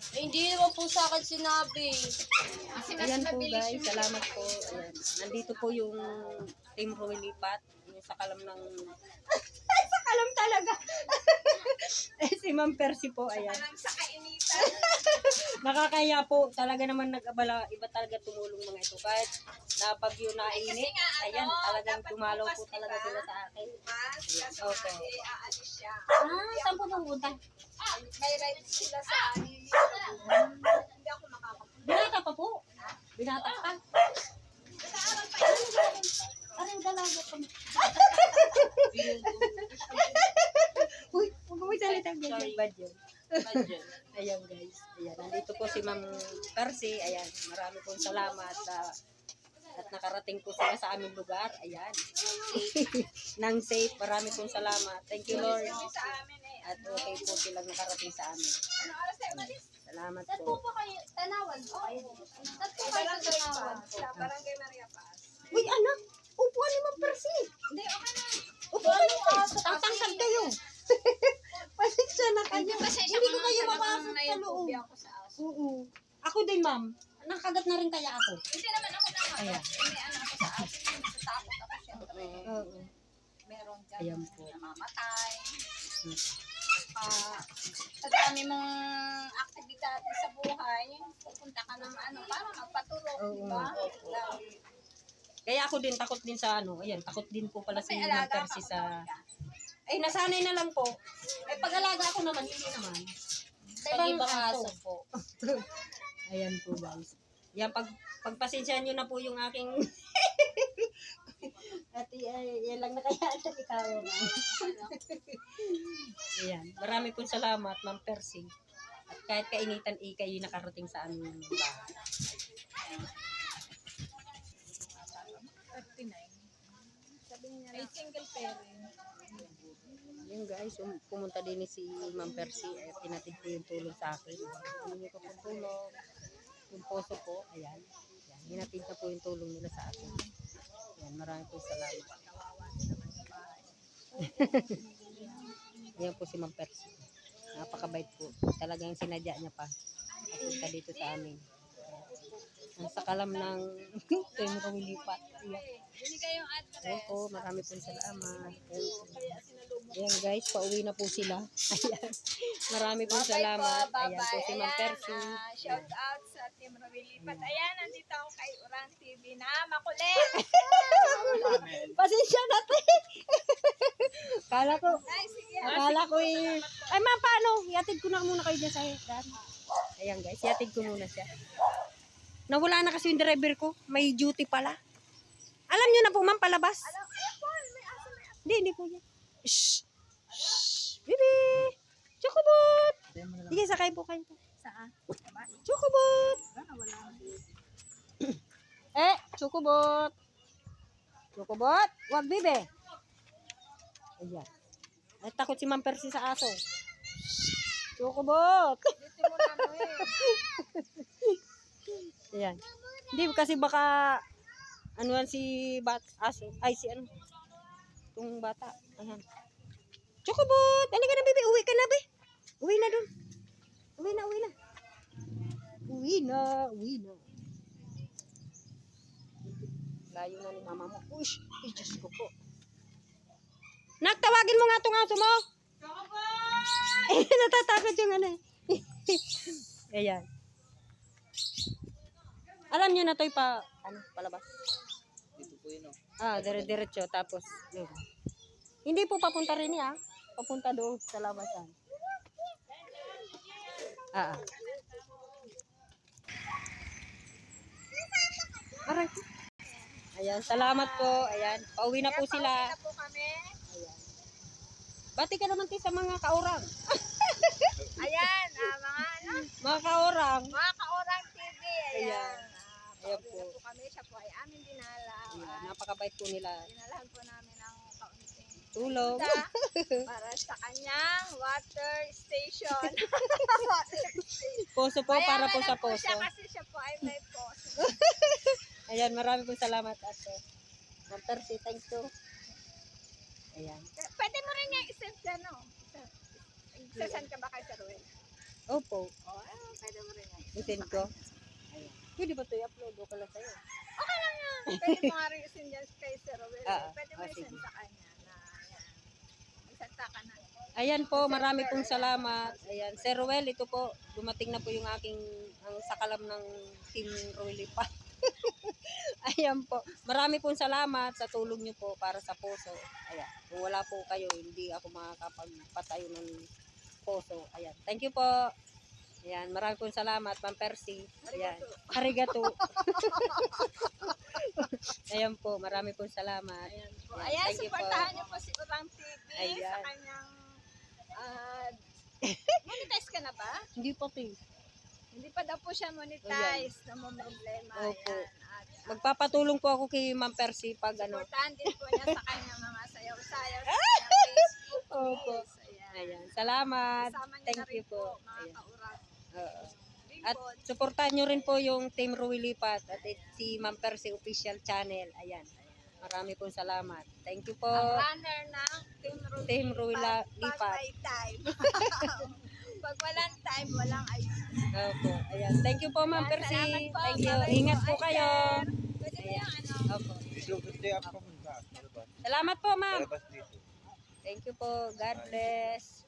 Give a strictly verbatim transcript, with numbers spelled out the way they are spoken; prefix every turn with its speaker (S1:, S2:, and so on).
S1: Eh, hindi naman po sa akin sinabi.
S2: Kasi mas
S3: Ayan po
S2: mabilis
S3: guys,
S2: yung
S3: salamat po. Ayan. Nandito po yung Team Rumilipat. Yung sa kalam ng... sa kalam talaga. eh, si Ma'am Percy po, ayan.
S2: alam sa kainitan.
S3: Nakakaya po. Talaga naman nag-abala. Iba talaga tumulong mga ito. Kahit na bagyo na
S2: Kasi
S3: init.
S2: nga, ano,
S3: Ayan, talagang
S2: dapat
S3: tumalaw
S2: bukas,
S3: po talaga
S2: diba?
S3: sila sa akin.
S2: Mas, kasi
S3: Okay.
S2: okay. aalis siya.
S3: Ah, saan po pupunta?
S2: May right sila sa anin. Hindi ako makakapunta.
S3: Binata pa po. Binata pa.
S2: Nag-aaral pa yun.
S3: Anong dalaga pa? Uy, huwag mo salita ganyan. Bad yun. Ayan guys. Ayan, nandito po si Ma'am Percy. Ayan, marami pong salamat sa at nakarating po sila sa aming lugar. Ayan. Nang safe. Marami pong salamat. Thank you Lord.
S2: Sa amin eh.
S3: At okay po silang nakarating sa amin.
S2: Ano oras tayo umalis?
S3: Salamat
S1: Saan po
S3: po.
S1: po kayo? Tanawan po kayo. Saan po kayo sa
S2: Barangay
S1: tanawan?
S2: Paz. Sa Barangay Maria Paz.
S3: Uy, anak! Upuan ni Ma'am Percy.
S2: Hindi, okay na.
S3: Upuan niyo. Tangtangtag kayo. Pasensya na kayo. Hindi ko kayo mapasok sa loob.
S2: ako sa aso.
S3: Oo. Ako din, ma'am. Nakagat na rin kaya ako.
S2: Hindi naman ako na.
S3: Ayan.
S2: Hindi ano ako sa aso. Natatakot ako syempre.
S3: Oo.
S2: Meron dyan.
S3: Ayan po.
S2: Namamatay. Ah, sa dami mong aktibidad sa buhay, pupunta ka ng ano, para magpaturok,
S3: Oo,
S2: di ba?
S3: opo.
S2: Lagi.
S3: Kaya ako din, takot din sa ano. Ayan, takot din po pala si
S2: May
S3: Ma'am
S2: alaga
S3: Percy
S2: ka,
S3: sa...
S2: kapatid ka.
S3: Ay, nasanay na lang po. Eh, pag-alaga ako naman, hindi naman. Sa
S1: Pag
S3: ibang
S1: ibang
S3: aso.
S1: aso po.
S3: Ayan po, guys. Yan, pag, pagpasensyahan nyo na po yung aking... Ate, ay, yan lang na kaya ito ikaw. Ayan. Marami pong salamat, Ma'am Percy. At kahit kainitan, eh, kayo nakarating sa aming bahay.
S2: thirty-nine. Sabi niya ay single parent.
S3: Yan guys, um, pumunta din si Ma'am Percy. Eh, pinatid po yung tulong sa akin. Hindi ko po tulong. Yung poso po, ayan. Yan, hinatid na po yung tulong nila sa akin. Yan, marami po salamat. Ayan po si Ma'am Percy. Napakabait po. Talagang sinadya niya pa. Papunta dito sa amin. Ang sakalam ng Team Rumilipat. Ayan.
S2: Binigay yung address.
S3: Opo, marami pong salamat. Ayan guys, pauwi na po sila. Ayan. Marami pong salamat.
S2: Bye-bye.
S3: Ayan po si Ma'am
S2: Ayan,
S3: Percy.
S2: ah, shout out sa Team Rumilipat. Ayan, nandito ako kay Urang T V na makulit.
S3: Pasensya na te. Kala ko,
S2: Ay, sige.
S3: kala ko eh. Ay ma'am, paano? Iatid ko na muna kayo dyan sa hagdan. Ayan guys, iatid ko muna siya. Nawala na kasi yung driver ko. May duty pala. Alam nyo na po ma'am, palabas.
S2: Alam, eh, Paul, may aso, may aso.
S3: Hindi, hindi po yan. Shh! Shh! Bibi! Chocobot! Sige, sakay po kayo.
S2: Saan?
S3: Chocobot!
S2: Wala, wala.
S3: Eh, Chocobot! Chocobot! Wag, bibi! Ayan. Ay, takot si Ma'am Percy sa aso. Chocobot!
S2: Dito mo na mo eh.
S3: Ayan. Hindi, kasi baka ano yan si bat aso. Ay, si ano. Itong bata. Ayan. Chocobot! Halika na, bibi. Uwi ka na, be. Uwi na dun. Uwi na, uwi na. Uwi na, uwi na. Layo na ni mama mo. Ush! Ay, Diyos ko po. Nagtawagin mo nga itong aso mo. Chocobot! Eh, natatakot yung ano eh. Ayan. Alam niyo na to'y pa, ano, palabas.
S4: Dito po yun, oh.
S3: Ah, dire-diretso. Tapos, yun. Hindi po papunta rin niya. Papunta doon sa labasan. Ah, ah. Aray. Ayan, salamat po. Ayan, pauwi na po sila.
S2: Pauwi na po kami.
S3: Ayan. Bati ka naman tayo sa mga kaurang.
S2: Ayan, ah, mga ano,
S3: Mga kaurang.
S2: mga kaorang T V. Ayan.
S3: Ayan.
S2: Ah,
S3: Ayan
S2: pauwi
S3: po.
S2: na po kami. Siya po ay aming dinala.
S3: Ayan,
S2: Ah,
S3: napakabait po nila.
S2: dinalahan po namin ang kaunting
S3: Tulong.
S2: isda para sa kanyang water station.
S3: Poso po para po
S2: Mayaman
S3: sa
S2: lang po
S3: poso.
S2: siya kasi siya po ay may poso.
S3: Ayan, marami pong salamat ate. Ma'am Percy, thank you. Ayan.
S2: Pwede mo rin niya isend dyan, no? Sasend ka ba kay Sir Ruel?
S3: Opo.
S2: O, eh, pwede mo rin yan.
S3: Isend ko. Ayan. Pwede ba ito i-upload? O ka lang sa'yo.
S2: Okay lang yan. Pwede mo nga rin isend yan kay Sir Will.
S3: Ah,
S2: Pwede mo
S3: ah,
S2: isend
S3: sige.
S2: sa kanya na yan. Isenta ka na.
S3: Ayan po, marami pong salamat. Ayan, Sir Ruel, ito po, dumating na po yung aking, ang sakalam ng Team Ruelipa. Ayan po, marami pong salamat sa tulong nyo po para sa poso. Ayan, kung wala po kayo, hindi ako makakapagpatayo ng poso. Ayan, thank you po. Ayan, marami pong salamat, Ma'am Percy. Ayan, arigato. Ayan po, marami pong salamat.
S2: Ayan po.
S3: Ayan,
S2: Ayan,
S3: thank you po.
S2: supportahan niyo po si Urang T V sa
S3: Ayan.
S2: kanyang uh, monetize ka na ba?
S3: Hindi po, Ting.
S2: Hindi pa daw po siya monetize na mo problema.
S3: Opo.
S2: Ayan. At uh,
S3: Magpapatulong po ako kay Ma'am Percy pag ano.
S2: supportahan din po niya sa kanyang mga sayaw-sayaw sa kanyang Facebook.
S3: Opo.
S2: Please. Ayan.
S3: Ayan, salamat.
S2: Kasama niyo
S3: Thank
S2: na rin
S3: you po.
S2: mga
S3: Ayan.
S2: kaurang.
S3: Oo. At
S2: Bimbod.
S3: suportahan nyo rin po yung Team Ruilipat at it- si Ma'am Percy Official Channel. Ayan. Marami pong salamat. Thank you po.
S2: Ang runner ng Team Ruby.
S3: Team Ruila
S2: Pag
S3: Lipat.
S2: may time. Pag walang time, walang ayun.
S3: Opo. Ayan. Thank you po, Ma'am
S2: Ayan,
S3: Percy.
S2: salamat po.
S3: Thank you.
S2: Bye-bye
S3: Ingat po
S2: Ay,
S3: kayo.
S2: sir. Pwede mo yung ano.
S3: Opo.
S5: Hindi ako pumunta. Ano ba?
S3: Salamat po, Ma'am.
S5: Labas dito.
S3: Thank you po. God bless.